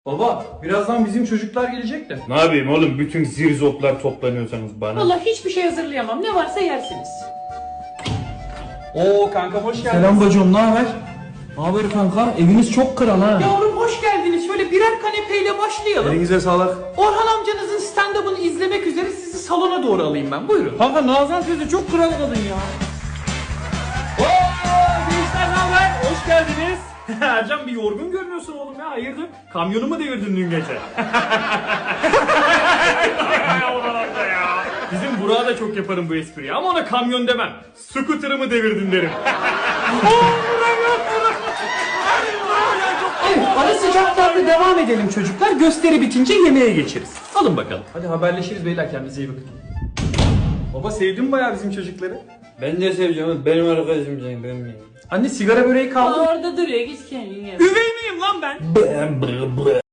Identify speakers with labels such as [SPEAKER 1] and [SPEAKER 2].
[SPEAKER 1] Baba, birazdan bizim çocuklar gelecek de.
[SPEAKER 2] Ne yapayım oğlum, bütün zirzoplar toplanıyorsanız bana.
[SPEAKER 3] Vallahi hiçbir şey hazırlayamam. Ne varsa yersiniz.
[SPEAKER 1] Oo kankam hoş geldin.
[SPEAKER 4] Selam bacım, ne haber? Ne haber kanka? Eviniz çok kral ha.
[SPEAKER 3] Yavrum hoş geldiniz. Şöyle birer kanepeyle başlayalım.
[SPEAKER 1] Elinize sağlık.
[SPEAKER 3] Orhan amcanızın stand-up'ını izlemek üzere sizi salona doğru alayım ben. Buyurun.
[SPEAKER 4] Kanka Nazan teyze çok kral kadın ya.
[SPEAKER 1] Gençler ne haber? Hoş geldiniz. Ercan bir yorgun görünüyorsun oğlum ya, hayırdır? Kamyonu mu devirdin dün gece? Bizim Burak'a da çok yaparım bu espriyi ama ona kamyon demem. Scooter'ımı devirdin derim.
[SPEAKER 3] Evet, ara sıcaklarda devam edelim çocuklar. Gösteri bitince yemeğe geçeriz. Alın bakalım.
[SPEAKER 1] Hadi haberleşiriz beyler, kendinize iyi bakın. Baba sevdin bayağı bizim çocukları.
[SPEAKER 2] Ben de seveceğim, benim arkadaşım canım, benim ya.
[SPEAKER 1] Anne sigara böreği kaldı.
[SPEAKER 3] Orada duruyor, git kendin ye.
[SPEAKER 1] Üvey miyim lan ben?